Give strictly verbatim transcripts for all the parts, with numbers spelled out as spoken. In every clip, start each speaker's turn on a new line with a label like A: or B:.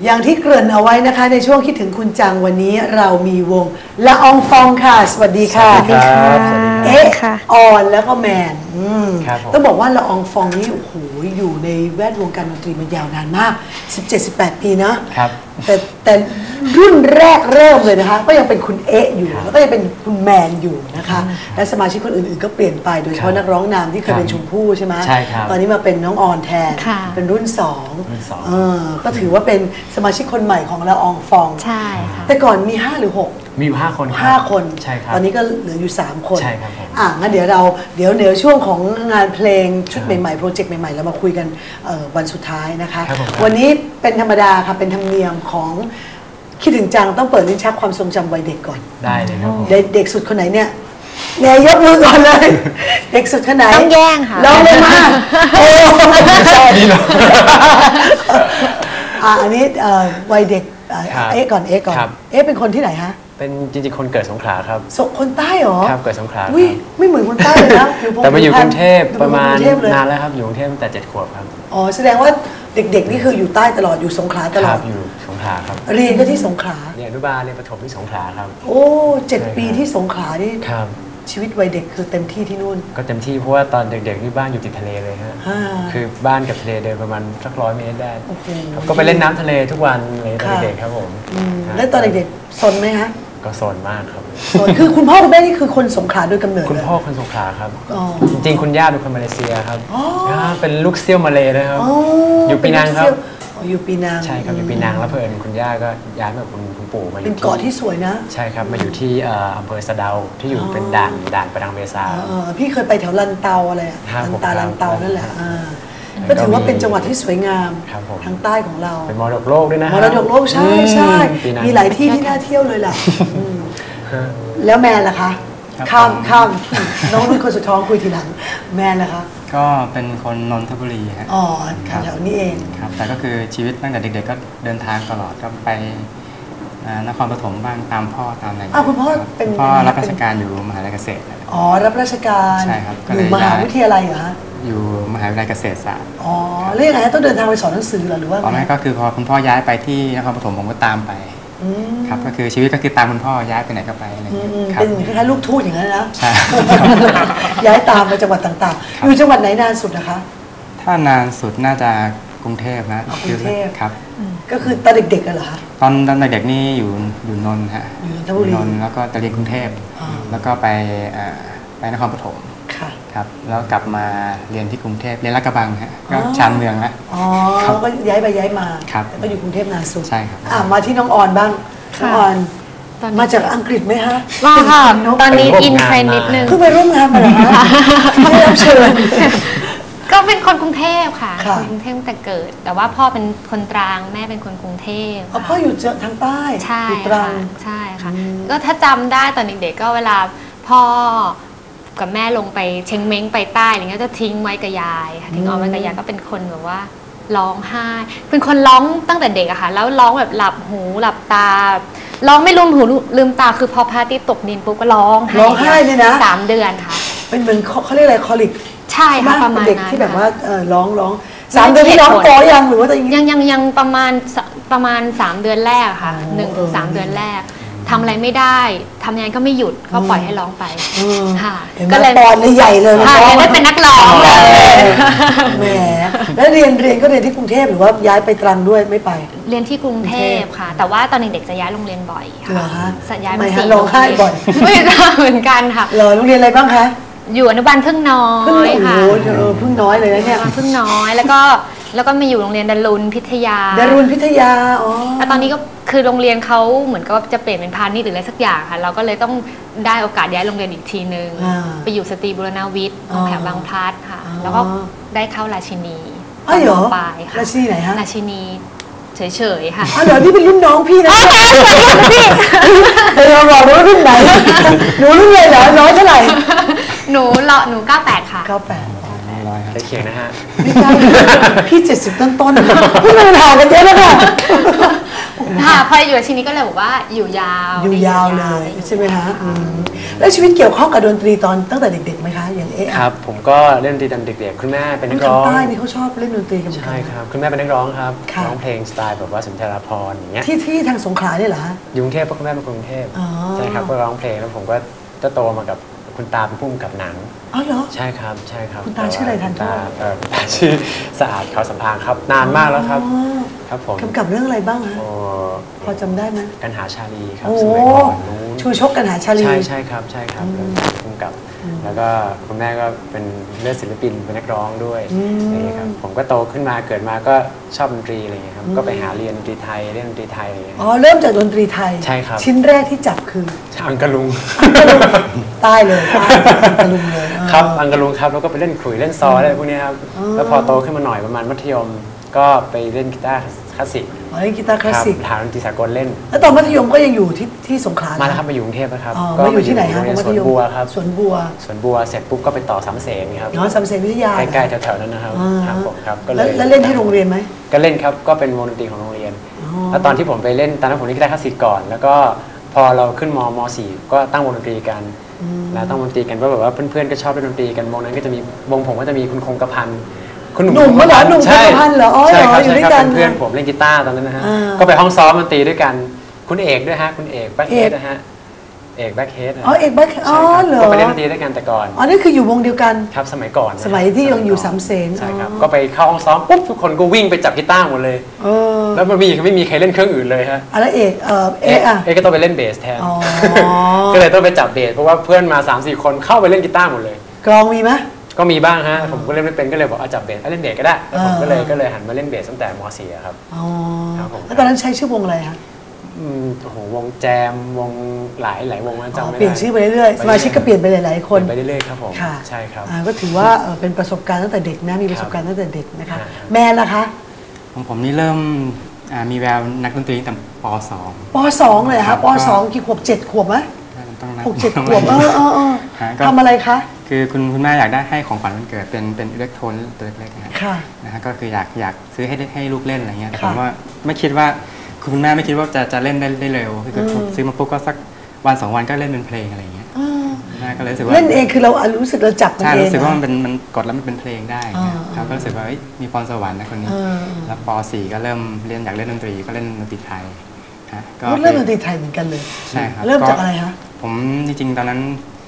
A: อย่างที่เกริ่นเอาไว้นะคะในช่วงคิดถึงคุณจังวันนี้เรามีวงละอองฟองค่ะสวัสดีค่ะ
B: สวัสดีครับ
A: เอ๊ะออนแล้วก็แมนต้องบอกว่าละอองฟองนี่โอ้โหอยู่ในแวดวงการดนตรีมายาวนานมาก สิบเจ็ดสิบแปด ปีนะครับแต่แต่รุ่นแรกเริ่มเลยนะคะก็ยังเป็นคุณเอ๊ะอยู่แล้วก็ยังเป็นคุณแมนอยู่นะคะและสมาชิกคนอื่นๆก็เปลี่ยนไปโดยเฉพาะนักร้องนำที่เคยเป็นชมพู่ใช่ไหม
B: ใช่ครับ
A: ตอนนี้มาเป็นน้องออนแทนเป็นรุ่นสองก็ถือว่าเป็นสมาชิกคนใหม่ของละอองฟอง
C: ใช่ค่ะ
A: แต่ก่อนมีห้าหรือหก
B: มีอยู่ห้าคน
A: ห้าคน
B: ใช่ครับ
A: ตอนนี้ก็เหลืออยู่สามคน
B: ใช่ครับ
A: อ่ะงั้นเดี๋ยวเราเดี๋ยวเดี๋ยวช่วงของงานเพลงชุดใหม่ๆโปรเจกต์ใหม่ๆเรามาคุยกันวันสุดท้ายนะคะวันนี้เป็นธรรมดาค่ะเป็นธรรมเนียมของคิดถึงจังต้องเปิดลิ้นชักความทรงจำวัยเด็กก่อน
B: ได้เลยครับ
A: เด็กสุดคนไหนเนี่ยแนยยกมือก่อนเลยเด็กสุดคนไหน
C: ต้องแย่งค่ะ
A: ลองเลยมาโอ้
B: ใช่ดีเนาะ
A: อ่ะอันนี้วัยเด็กเอ๊ะก่อนเอ๊ะก่อนเอ๊ะเป็นคนที่ไหนฮะ
B: เป็นจริงๆคนเกิดสงขลาครับ
A: คนใต้เหรอ
B: ครับเกิดสงขลา
A: อุ้ยไม่เหมือนคนใต้เลยนะ
B: แต่มาอยู่กรุงเทพประมาณนานแล้วครับอยู่กรุงเทพตั้งแต่เจ็ดขวบครับ
A: อ๋อแสดงว่าเด็กๆนี่คืออยู่ใต้ตลอดอยู่สงขลาตลอด
B: อยู่สงขลาครับ
A: เรียนก็ที่สงขลา
B: เรียนอนุบาลเรียนประถมที่สงขลาครับ
A: โอ้เจ็ดปีที่สงขลานี่
B: ครับ
A: ชีวิตวัยเด็กคือเต็มที่ที่นู่น
B: ก็เต็มที่เพราะว่าตอนเด็กๆที่บ้านอยู่ติดทะเลเลยฮะคือบ้านกับทะเลเดินประมาณสักร้อยเมตรได้ก็ไปเล่นน้ำทะเลทุกวันเลยตอนเด็กครับผม
A: แล้วตอนเด็กๆซนไหมฮะ
B: ก็ซนมากครับ
A: ซนคือคุณพ่อคุณแม่นี่คือคนสงขลาโดยกำเนิด
B: คุณพ่อคนสงขลาครับจริงๆคุณย่าเป็นคนมาเลเซียครับเป็นลูกเซี่ยวมาเลนะครับอยู่ปีนังครับ
A: อยู่ปีนัง
B: ใช่ครับอยู่ปีนังแล้วเพื่อนคุณย่าก็ย้ายมาคุณคุณปู่มาอยู่
A: เป็นเกาะที่สวยนะ
B: ใช่ครับมาอยู่ที่อำเภอสะเดาที่อยู่เป็นด่านด่านประดังเบซา
A: พี่เคยไปแถวลันเตาอะไรลันตาลันเตานั่นแหละก็ถือว่าเป็นจังหวัดที่สวยงามทางใต้ของเรา
B: เป็นมรดกโลกด้วยนะ
A: มรดกโลกใช่ใช่มีหลายที่ที่น่าเที่ยวเลยแหละแล้วแม่ล่ะคะข้ามข้ามน้องนุ่นคนสุดท้องคุยทีหลังแม่ล่ะคะ
D: ก็เป็นคนนนทบุรีครับ
A: อ๋อแถวนี้เอง
D: ครับแต่ก็คือชีวิตตั้งแต่เด็กๆก็เดินทางตลอดก็ไปนครปฐมบ้างตามพ่อตามอะไร
A: อ้าวคุณพ่อเป็น
D: พ่อรับราชการอยู่มหาวิทยาลัยเกษตร
A: อ๋อรับราชการ
D: ใช่ครับ
A: อยู่มหาวิทยาลัยเหรอฮะ
D: อยู่มหาวิทยาลัยเกษตรศาสตร์
A: อ๋อแล้วยังไงต้องเดินทางไปสอนหนังสือหรือว่า
D: ตอนนั้นก็คือพอคุณพ่อย้ายไปที่นครปฐมผมก็ตามไปครับก็คือชีวิตก็คือตามคุณพ่อย้ายไปไหนก็ไปอะไรอย่างเงี้ย
A: เป็นเหมือนคล้ายๆลูกทูตอย่างนั้นนะ
D: ใช่
A: ย้ายตามไปจังหวัดต่างๆอยู่จังหวัดไหนนานสุดนะคะ
D: ถ้านานสุดน่าจะกรุงเทพนะ
A: กรุงเทพ
D: ครับ
A: ก็คือตอนเด็กๆกันเหรอคะ
D: ตอนตอนเด็กๆนี่อยู่อยู่นนท์ฮะ
A: อยู่น
D: นท์แล้วก็จะเรียนกรุงเทพแล้วก็ไปไปนครปฐมครับแล้วกลับมาเรียนที่กรุงเทพเรียนลาดกระบังฮะก็ชานเมืองแล้ว
A: อ๋อก็ย้ายไปย้ายมา
D: ครับ
A: ก็อยู่กรุงเทพนานสุด
D: ใช่ครับ
A: อ่ะมาที่น้องออนบ้างน้องออนมาจากอังกฤษไหมฮะ
C: มาค่ะตอนนี้อินเทรนนิดนึง
A: เพิ่งไปร่วมงานมาเหรอคะไม่ได้รับเชิญ
C: ก็เป็นคนกรุงเทพค่ะคนกรุงเทพตั้งแต่เกิดแต่ว่าพ่อเป็นคนตรังแม่เป็นคนกรุงเทพ
A: พ่ออยู่ทางใต้
C: ใช่ค่ะใช่ค่ะก็ถ้าจำได้ตอนเด็กๆก็เวลาพ่อกับแม่ลงไปเชงเม้งไปใต้อะไรเงี้ยจะทิ้งไว้กับยายทิ้งเอาไว้กับยายก็เป็นคนแบบว่าร้องไห้เป็นคนร้องตั้งแต่เด็กอะค่ะแล้วร้องแบบหลับหูหลับตาร้องไม่ลืมหูลืมตาคือพอพระอาทิตย์ตกดินปุ๊บก็ร้อง
A: ร้องไห้เลยนะ
C: สามเดือนค่ะ
A: เป็นเหมือนเขาเรียกอะไรคอลิก
C: ใช่ค่ะประมาณ
A: เด็กที่แบบว่าร้องร้องสามเดือนที่ร้องต่อยังหรือว่า
C: ยังยังยังประมาณประมาณสามเดือนแรกค่ะหนึ่งถึงสามเดือนแรกทำอะไรไม่ได้ทำงานก็ไม่หยุดก็ปล่อยให้ร้องไปค่ะ
A: ก็เลยปอนใหญ่เลย
C: ค่ะได้เป็นนักร้องเลย
A: แหมแล้วเรียนเรียนก็เรียนที่กรุงเทพหรือว่าย้ายไปตรังด้วยไม่ไป
C: เรียนที่กรุงเทพค่ะแต่ว่าตอนเด็กๆจะย้ายโรงเรียนบ่อยค่ะจะย้าย
A: มาสี่ร้องไห้บ่อย
C: ไม่ทราบเหมือนกันค่ะ
A: เหรอโรงเรียนอะไรบ้างคะ
C: อยู่อนุบาลพึ่งน้อยค่ะ
A: พึ่งน้อยเลยนะเนี่ย
C: พึ่งน้อยแล้วก็แล้วก็มาอยู่โรงเรียนดารุณพิทยา
A: ดารุณพิทยาอ๋อ
C: แล้วตอนนี้ก็คือโรงเรียนเขาเหมือนกับจะเปลี่ยนเป็นพาณิชย์หรืออะไรสักอย่างค่ะเราก็เลยต้องได้โอกาสย้ายโรงเรียนอีกทีนึงไปอยู่สตรีบุรณวิทย์แถวบางพลัดค่ะแล้วก็ได้เข้าราชินี
A: อ๋อเหรอ
C: ปลายค่ะ
A: ราชินีไหนฮะ
C: ราชินีเฉยๆค่ะ
A: อ๋อเหรอนี่เป็นรุ่นน้องพี่นะพี่เดี๋ยวเราบอกว่ารุ่นไหนหนูรุ่นเลยเหรอน้อยเท่าไหร่
C: หนูเลาะหนูเก้าแปดค่ะ
A: เก้าแปด
B: ใกล้เคียงนะฮะ
A: พี่เจ็ดสิบต้นต้นพี่มันห่างกันเยอะแล้วค่ะโอ้โห
C: ค่ะพออยู่ชีนี้ก็เลยบอกว่าอยู่ยาว
A: อยู่ยาวเลยใช่ไหมคะแล้วชีวิตเกี่ยวข้องกับดนตรีตอนตั้งแต่เด็กๆไหมคะอย่างเอ๊ะ
B: ครับผมก็เล่นดนตรีตอนเด็กๆคุณแม่เป็นนักร้อง
A: ทางใต้นี่เขาชอบเล่นดนตรีกันเหมือนกัน
B: ใช่ครับคุณแม่เป็นนักร้องครับร้องเพลงสไตล์แบบว่าสุนทรภรณ์อย่างเงี้ย
A: ที่ที่ทางสงขลาเนี่ยเหรอ
B: อยู่กรุงเทพเพราะคุณแม่เป็นคนกรุงเทพใช่ครับก็ร้องเพลงแล้วผมก็จะโตมากับคุณตาเป็นผู้กำกับหนัง
A: อ๋อเหรอ
B: ใช่ครับใช่ครับ
A: คุณตาชื่ออะไรทัน
B: ตาคุณตาชื่อสะอาดเขาสัมพันธ์ครับนานมากแล้วครับครับผม
A: กำกับเรื่องอะไรบ้างฮะพอจำได้ไหม
B: กันหาชาลีครับ
A: สมัยก่อนนู้นชูชกกันหาชาลี
B: ใช่ใช่ครับใช่ครับกำกับแล้วก็คุณแม่ก็เป็นเลือดศิลปินเป็นนักร้องด้วยนี่ครับผมก็โตขึ้นมาเกิดมาก็ชอบดนตรีอะไรอย่างเงี้ยครับก็ไปหาเรียนดนตรีไทยเรียนดนตรีไทยอะไรอย่างเงี้ย
A: อ๋อเริ่มจากดนตรีไทย
B: ใช่ครับ
A: ชิ้นแรกที่จับคือ
B: อังกะลุง
A: ใต้เลยอังกะลุงเลย
B: ครับอังกะลุงครับแล้วก็ไปเล่นขลุ่ยเล่นซออะไรพวกนี้ครับแล้วพอโตขึ้นมาหน่อยประมาณมัธยมก็ไปเล่นกีตาร์คลาสสิก
A: อ๋อเล่นกีตาร์คลาสสิก
B: ฐานดนตรีสากลเล่น
A: แล้วตอนมัธยมก็ยังอยู่ที่ที่สงขลา
B: มาแล้วครับมาอยู่กรุงเทพนะครับ
A: ก็อยู่ที่ไหนครับ
B: สวนบัวครับ
A: สวนบัว
B: สวนบัวเสร็จปุ๊บก็ไปต่อสามเสนครับ
A: อ๋อสามเสนวิทยา
B: ใกล้ๆแถวๆนั้นนะครับครับผมครับ
A: ก็เลยแล้วเล่นที่โรงเรียนไหม
B: ก็เล่นครับก็เป็นวงดนตรีของโรงเรียนแล้วตอนที่ผมไปเล่นตอนนั้นผมเล่นกีตาร์คลาสสิกก่อนแล้วก็พอเราขึ้นมมสี่ก็ตั้งวงดนตรีกันแล้วตั้งวงดนตรีกันก็แบบว่าเพื่อนๆก็ชอบเล่นดนตรีกันวงนั้นก็จะมีวงผมก็จะมีคุณคงกระพัน
A: คุณหนุ่มเหรอหนุ่มคงกระพันเหรออ๋อ
B: ใช่ครับ
A: อยู่
B: ใช่
A: ด้วย
B: ครับ
A: กัน
B: เป็นเพื่อนผมเล่นกีตาร์ตอนนั้นนะฮะก็ไปห้องซ้อมดนตรีด้วยกันคุณเอกด้วยฮะคุณเอกแบ็คเฮดนะฮะเอกแบ็คเฮด
A: อ๋อเอกแบ็คอ๋อเหรอ
B: ก็ไปเล่นดนตรีด้วยกันแต่ก่อน
A: อ๋อนี่คืออยู่วงเดียวกัน
B: ครับสมัยก่อน
A: สมัยที่ยังอยู่สามเสน
B: ใช่ครับก็ไปเข้าห้องซ้อมปุ๊บทุกคนก็วิ่งไปจับกีตาร์หมดเลยแล้วมันมีไม่มีใครเล่นเครื่องอื่นเลยฮะ
A: อะไรเอกเออเอกอ่ะ
B: เอกก็ต้องไปเล่นเบสแทนก็เลยต้องไปจับเบสเพราะว่าเพื่อนมา สามสี่ คนเข้าไปเล่นกีตาร์หมดเลย
A: กลองมีไหม
B: ก็มีบ้างฮะผมก็เล่นไม่เป็นก็เลยบอกเอาจับเบสเล่นเบสก็ได้แล้วผมก็เลยก็เลยหันมาเล่นเบสตั้งแต่ม สี่ครับ
A: อ๋อแล้วตอนนั้นใช้ชื่อวงอะไรคะ
B: โอ้โหวงแจมวงหลายหลายวงจำไม่ได้
A: เปลี่ยนชื่อไปเรื่อยๆสมาชิกก็เปลี่ยนไปหลายๆคน
B: ไปเรื่อยๆครับผมใช่ครับ
A: ก็ถือว่าเป็นประสบการณ์ตั้งแต่เด็กนะมีประสบการณ์ตั้งแต่เด็กนะคะแมนล่ะคะ
D: ของผมนี่เริ่มมีแววนักดนตรีตั้งแต่ป สอง
A: ป สองเลยครับป สองกี่ขวบเจ็ดขวบไหมหกเจ็ดขวบเออเออเออทำอะไรคะ
D: คือคุณคุณแม่อยากได้ให้ของขวัญวันเกิดเป็นเป็นอิเล็กโทรนตัวเล็กๆนะนะฮะก็คืออยากอยากซื้อให้ให้ลูกเล่นอะไรเงี้ยแต่ผมว่าไม่คิดว่าคุณแม่ไม่คิดว่าจะจะเล่นได้ได้เร็วคือซื้อมาปุ๊บก็สักวันสองวันก็เล่นเป็นเพลงอะไรเงี้ยแม่ก็เลยรู้สึกว่า
A: เล่นเองคือเรารู้สึกเราจับมันเอง
D: ใช่รู้สึกว่ามันเป็นมันกดแล้วมันเป็นเพลงได้ครับก็รู้สึกว่ามีพรสวรรค์นะคนนี้แล้วป สี่ก็เริ่มเรียนอยากเล่นดนตรีก็เล่นดนตรีไทย
A: ก็เริ่มดนตรีไทยเหมือนกันเลย
D: ใช่ครับ
A: เริ่มจากอะไรคะ
D: ผมจริงๆตอนนั้น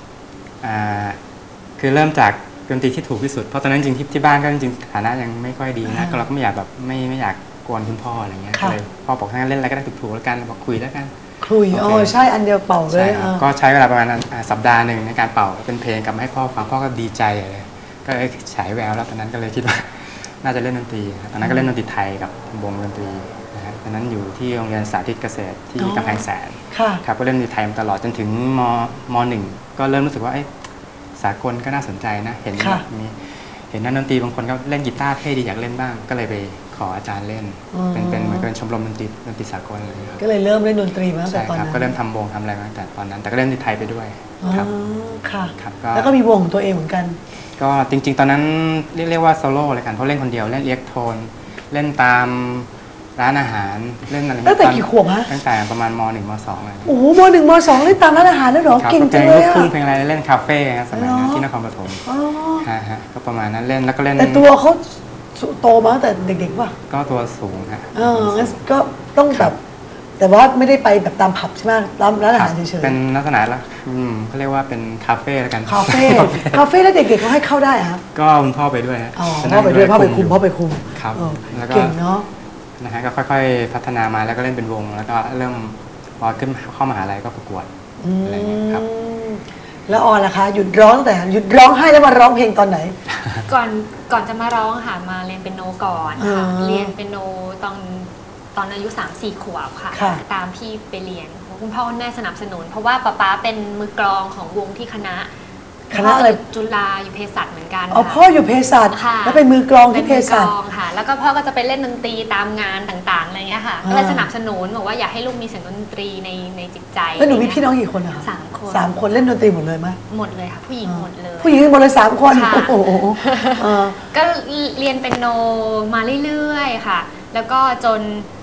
D: คือเริ่มจากดนตรีที่ถูกที่สุดเพราะตอนนั้นจริงๆที่บ้านก็จริงๆฐานะยังไม่ค่อยดีนะก็เราก็ไม่อยากแบบไม่ไม่อยากกวนคุณพ่ออะไรเงี้ยเลยพ่อบอกถ้าเล่นอะไรก็ได้ถูกๆแล้วกันบอกคุยแล้วกัน
A: คุยอ๋อใช่อันเดียวเป่าเลย
D: ก็ใช้เวลาประมาณสัปดาห์หนึ่งในการเป่าเป็นเพลงกลับมาให้พ่อฟังพ่อก็ดีใจเลยก็เลยฉายแววแล้วตอนนั้นก็เลยคิดว่าน่าจะเล่นดนตรีตอนนั้นก็เล่นดนตรีไทยกับวงดนตรีตอนนั้นอยู่ที่โรงเรียนสาธิตเกษตรที่กำแพงแสนครับก็เล่นดนตรีไทยมาตลอดจนถึงมมหนึ่งก็เริ่มรู้สึกว่าสากลก็น่าสนใจนะเห็นมีเห็นนักดนตรีบางคนก็เล่นกีตาร์เท่ดีอยากเล่นบ้างก็เลยไปขออาจารย์เล่นเป็นเป็นเหมือนเป็นชมรมดนตรีดนตรีสากลอะไร
A: ก็เลยเริ่มเล่นดนตรีมาตั้งแต่ตอนนั้น
D: ก็เริ่มทำวงทำอะไรมาตั้งแต่ตอนนั้นแต่ก็เล่นดนตรีไทยไปด้วยครับ
A: ค่ะแล้วก็มีวงของตัวเองเหมือนกัน
D: ก็จริงๆตอนนั้นเรียกเรียกว่าโซโล่เลยกันเพราะเล่นคนเดียวเล่นอิเล็กโทรนเล่นตามร้านอาหารเล่นอะไร
A: ตั้งแต่กี่ขวบฮะ
D: ตั้งแต่ประมาณมหนึ่งมสองเลย
A: โอ้โหมหนึ่งมสองเล่นตามร้านอาหารแล้วเหรอเก่งจังเลยอะ
D: เพลงเพลงอะไรเล่นคาเฟ่สมัยนั้นที่นครปฐมฮะฮะก็ประมาณนั้นเล่นแล้วก็เล่น
A: แต่ตัวเขาโตมาตั้งแต่เด็กๆป่ะ
D: ก็ตัวสูงฮะ
A: เอองั้นก็ต้องแบบแต่ว่าไม่ได้ไปแบบตามผับใช่ไหมร้านร้านอาหารเฉยๆ
D: เป็นลักษณะละอืมเขาเรียกว่าเป็นคาเฟ่แล้วกัน
A: คาเฟ่คาเฟ่แล้วเด็กๆเขาให้เข้าได้ครับ
D: ก็คุณพ่อไปด้วย
A: อ๋อพ่อไปด้วยพ่อไปคุมพ่อไปคุม
D: ครับ
A: แล้วก็เก่งเนาะ
D: นะฮะก็ค่อยๆพัฒนามาแล้วก็เล่นเป็นวงแล้วก็เริ่มพอขึ้นเข้ามหาลัยก็ประกวดอะไรอย่างเงี้ยครับ
A: แล้วออนล่ะคะหยุดร้องแต่หยุดร้องให้แล้วมาร้องเพลงตอนไหน
C: ก่อนก่อนจะมาร้องค่ะมาเรียนเปียโนก่อนค่ะเรียนเปียโนตอนตอนอายุ สามสี่ ขวบค่ะตามพี่ไปเรียนคุณพ่อคุณแม่สนับสนุนเพราะว่าป๊าป๊าเป็นมือกลองของวงที่คณะ
A: คณะอะไร
C: จุฬาอยู่เภสัชเหมือนกัน
A: อ๋อพ่ออยู่เภสัชแล้วเป็นมือกลองที่เภสัช
C: ค่ะแล้วก็พ่อก็จะไปเล่นดนตรีตามงานต่างๆอะไรเงี้ยค่ะก็เลยสนับสนุนบอกว่าอยากให้ลูกมีเสียงดนตรีในในจิตใจ
A: แล้วหนูมีพี่น้องกี่คนอะ
C: สามคน
A: สามคนเล่นดนตรีหมดเลยไหม
C: หมดเลยค่ะผู้หญิงหมดเลย
A: ผู้หญิงหมดเลยสามคนโอ้โห
C: ก็เรียนเป็นโนมาเรื่อยๆค่ะแล้วก็จน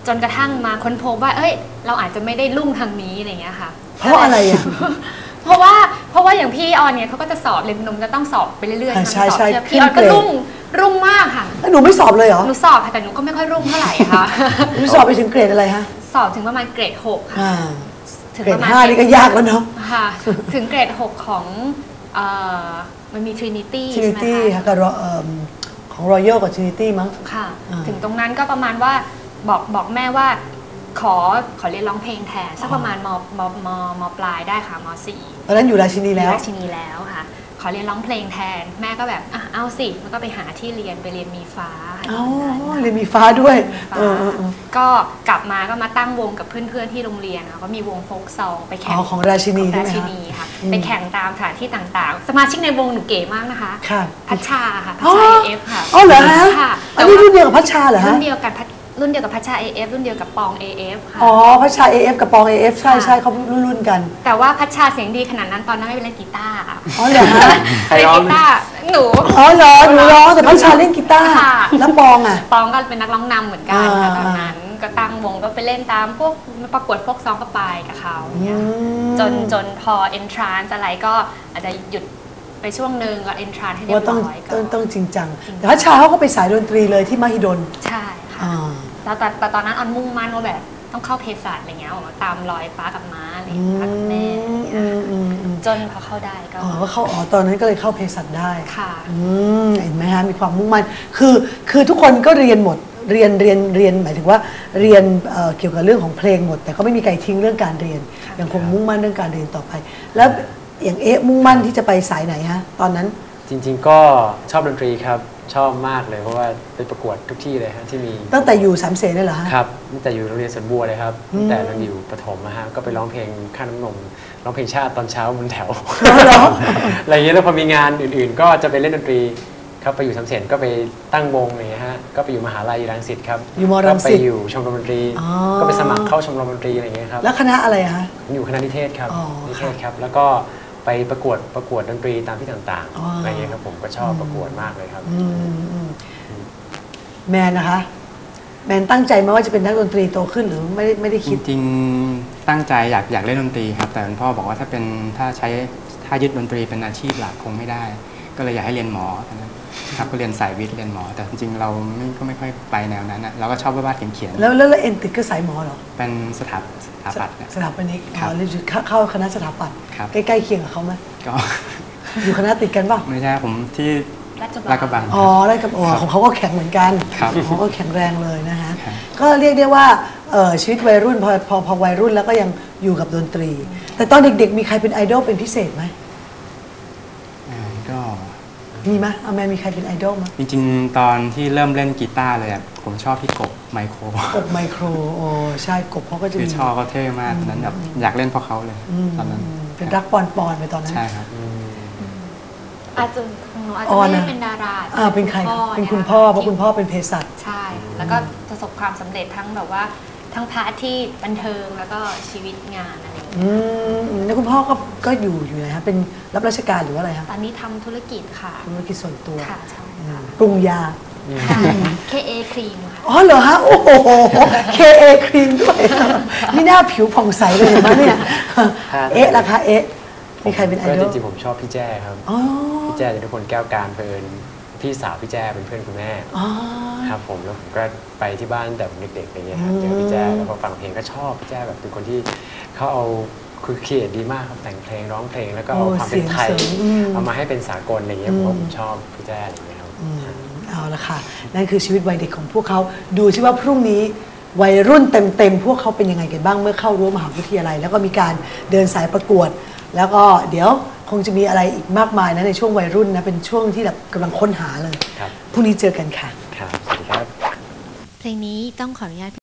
C: จนกระทั่งมาค้นพบว่าเอ้ยเราอาจจะไม่ได้ลุ่งทางนี้อะไรเงี้ยค่ะ
A: เพราะอะไรอ่ะ
C: เพราะว่าเพราะว่าอย่างพี่ออนเนี่ยเขาก็จะสอบเรียนนมจะต้องสอบไปเรื่อยๆ
A: ใช่ใช่
C: พี่ออนก็รุ่งรุ่งมากค่ะ
A: หนูไม่สอบเลยเหรอ
C: หนูสอบค่ะแต่หนูก็ไม่ค่อยรุ่งเท่าไหร่ค่ะ
A: หนูสอบไปถึงเกรดอะไรฮะ
C: สอบถึงประมาณเกรดหกค่ะ
A: ถึงประมาณห้านี่ก็ยากแล้วเนาะ
C: ค่ะถึงเกรดหกของมันมี Trinity ใช่ไหมคะ
A: Trinity ค่ะกับของ Royal กับ Trinity มั้ง
C: ค่ะถึงตรงนั้นก็ประมาณว่าบอกบอกแม่ว่าขอขอเรียนร้องเพลงแทนสักประมาณมมมมปลายได้ค่ะมสี่
A: ตอนนั้นอยู่ราชินีแล้ว
C: ราชินีแล้วค่ะขอเรียนร้องเพลงแทนแม่ก็แบบอ่ะเอาสิมันก็ไปหาที่เรียนไปเรียนมีฟ้า
A: อ๋อเรียนมีฟ้าด้วย
C: ก็กลับมาก็มาตั้งวงกับเพื่อนๆที่โรงเรียนก็มีวงโฟล์กซองไปแข่ง
A: ของราชินี
C: ราชินีค่ะไปแข่งตามสถานที่ต่างๆสมาชิกในวงหนูเก๋มากนะคะพัชชาค่ะพัชชาเอฟค่ะ
A: อ๋อเหรอฮะอันนี้รุ่นเดียวกับพัชชาเหรอฮะ
C: รุ่นเดียวกันรุ่นเดียวกับพัชชา เอ เอฟ รุ่นเดียวกับปอง เอ เอฟ ค่ะ
A: อ๋อพัชชา เอ เอฟ กับปอง เอ เอฟ ใช่ใช่เขารุ่นรุ่นกัน
C: แต่ว่าพัชชาเสียงดีขนาดนั้นตอนนั้นไม่เป็นเล่นกีตาร์
A: อ๋อเหรอฮะ
C: เล่นกีตาร์หนู
A: อ๋อเหรอหนูร้องแต่พัชชาเล่นกีตาร์แล้วปองอ่ะ
C: ปองก็เป็นนักร้องนำเหมือนกันค่ะตอนนั้นก็ตั้งวงก็ไปเล่นตามพวกประกวดโฟล์กซองก็ไปกับเขาเนี่ยจนจนพอ entrance อะไรก็อาจจะหยุดไปช่วงหนึ่งก็ entrance ให้เรียบร้อย
A: ก็ต้องจริงจังแต่พัชชาเขาก็ไปสายดนตรีเลยที่มหิดล
C: ใช่ค่ะแล้วแต่ตอนนั้นออนมุ่งมั่นว่าแบบต้องเข้าเภสัชอะไรเงี้ยตามรอยป้ากับม้าอะไรพักแม่จนพอเข้าได้ก็
A: อ๋อเข้าอ๋อตอนนั้นก็เลยเข้าเภสัชได้
C: ค่ะ
A: เห็นไหมฮะมีความมุ่งมั่นคือคือทุกคนก็เรียนหมดเรียนเรียนเรียนหมายถึงว่าเรียนเกี่ยวกับเรื่องของเพลงหมดแต่ก็ไม่มีใครทิ้งเรื่องการเรียนยังคงมุ่งมั่นเรื่องการเรียนต่อไปแล้วอย่างเอ๊ะมุ่งมั่นที่จะไปสายไหนฮะตอนนั้น
B: จริงๆก็ชอบดนตรีครับชอบมากเลยเพราะว่าไปประกวดทุกที่เลยฮะที่มี
A: ตั้งแต่อยู่สามเสนเลยเหรอฮะ
B: ครับตั้งแต่อยู่โรงเรียนสวนบัวเลยครับตั้งแต่เราอยู่ประถมนะฮะก็ไปร้องเพลงข้าน้ำนมร้องเพลงชาติตอนเช้าบนแถวอะไรอย่างเงี้ยแล้วพอมีงานอื่นๆก็จะไปเล่นดนตรีครับไปอยู่สามเสนก็ไปตั้งวงอะไรเงี้ยฮะก็ไปอยู่มหาลัยรังสิตครับ
A: อยู่มรังสิต
B: ก็ไปอยู่ชมรมดนตรีก็ไปสมัครเข้าชมรมดนตรีอะไรเงี้ยครับ
A: แล้วคณะอะไรฮะ
B: อยู่คณะนิเทศครับนิเทศครับแล้วก็ไปประกวดประกวดดนตรีตามที่ต่างๆอะไรเงี้ยครับผมก็ชอบประกวดมากเลยครับ
A: แมนนะคะแมนตั้งใจไหมว่าจะเป็นนักดนตรีโตขึ้นหรือไม่ได้ไม่ได้คิด
D: จริงๆตั้งใจอยากอยากเล่นดนตรีครับแต่คุณพ่อบอกว่าถ้าเป็นถ้าใช้ถ้ายึดดนตรีเป็นอาชีพหลักคงไม่ได้ก็เลยอยากให้เรียนหมอครับก็เรียนสายวิทย์เรียนหมอแต่จริงๆเราไม่ก็ไม่ค่อยไปแนวนั้นนะเราก็ชอบวาดเขียน
A: ๆแล้วแล้วเอ็นติดก็สายหมอเหรอ
D: เป็นสถาสถาปัตย์
A: สถาปนิกอ๋อเรียนเข้าคณะสถาปัตย์ใกล้ๆเคียงกับเขาไหม
D: ก็
A: อยู่คณะติดกันป่ะ
D: ไม่ใช่ผมที่ลาดกระบัง
A: อ๋อลาดกระบังของเขาก็แข็งเหมือนกันเขาก็แข็งแรงเลยนะฮะก็เรียกได้ว่าชีวิตวัยรุ่นพอพอพอวัยรุ่นแล้วก็ยังอยู่กับดนตรีแต่ตอนเด็กๆมีใครเป็นไอดอลเป็นพิเศษไหม
D: ก็
A: มีไหมอาแมนมีใครเป็นไอดอลมั้ย
D: จริงๆตอนที่เริ่มเล่นกีตาร์เลยผมชอบพี่กบไมโคร
A: กบไมโครโอ้ใช่กบเขาก็จะ
D: มีชอบเขาเท่มากนั้นแบบอยากเล่นเพราะเขาเลยตอนนั้น
A: เป็นรักปอนปอนไปตอนนั้น
D: ใช่ครับ
C: อาจจะหนูอาจจะไม่ได้เป็นดารา
A: อ่าเป็นใครเป็นคุณพ่อเพราะคุณพ่อเป็นเภสัช
C: ใช่แล้วก็ประสบความสำเร็จทั้งแบบว่าทั้งพาร์ทที่บันเทิงแล้วก็ชีวิตงานอะไรอย่างเงี้ย
A: อืมแล้วคุณพ่อก็ก็อยู่อยู่ไหนคะเป็นรับราชการหรือว่าอะไรคะ
C: ตอนนี้ทำธุรกิจค่ะ
A: ธุรกิจส่วนตัว
C: ค่ะใช่
A: ปรุงยา
C: เค เอ ครีมค่ะ
A: อ๋อเหรอฮะโอ้โห เค เอ ครีมด้วยนี่หน้าผิวผ่องใสเลยมั้ยเนี่ยเอ๊ะราคาเอ๊ะมีใครเป็นไอดอล
B: จริงๆผมชอบพี่แจ้ครับพี่แจ้จะทุกคนแก้วการเพลินพี่สาวพี่แจ้เป็นเพื่อนคุณแม่ครับผมแล้วผมก็ไปที่บ้านแต่ผมเด็กๆอะไรเงี้ยครับเจอพี่แจ้แล้วพอฟังเพลงก็ชอบพี่แจ้แบบเป็นคนที่เขาเอาคือเขียนดีมากครับแต่งเพลงร้องเพลงแล้วก็เอาความเป็นไทยเอามาให้เป็นสากลอะไรเงี้ยผมว่าผมชอบพี่แจ้อะไรเงี้ยครับ
A: เอาละค่ะนั่นคือชีวิตวัยเด็กของพวกเขาดูซิว่าพรุ่งนี้วัยรุ่นเต็มๆพวกเขาเป็นยังไงกันบ้างเมื่อเข้ารั้วมหาวิทยาลัยแล้วก็มีการเดินสายประกวดแล้วก็เดี๋ยวคงจะมีอะไรอีกมากมายนะในช่วงวัยรุ่นนะเป็นช่วงที่แบบกำลังค้นหาเลยพรุ่งนี้เจอกันค่ะ
B: ครับสวัสดีครับ
C: เพลงนี้ต้องขออนุญาต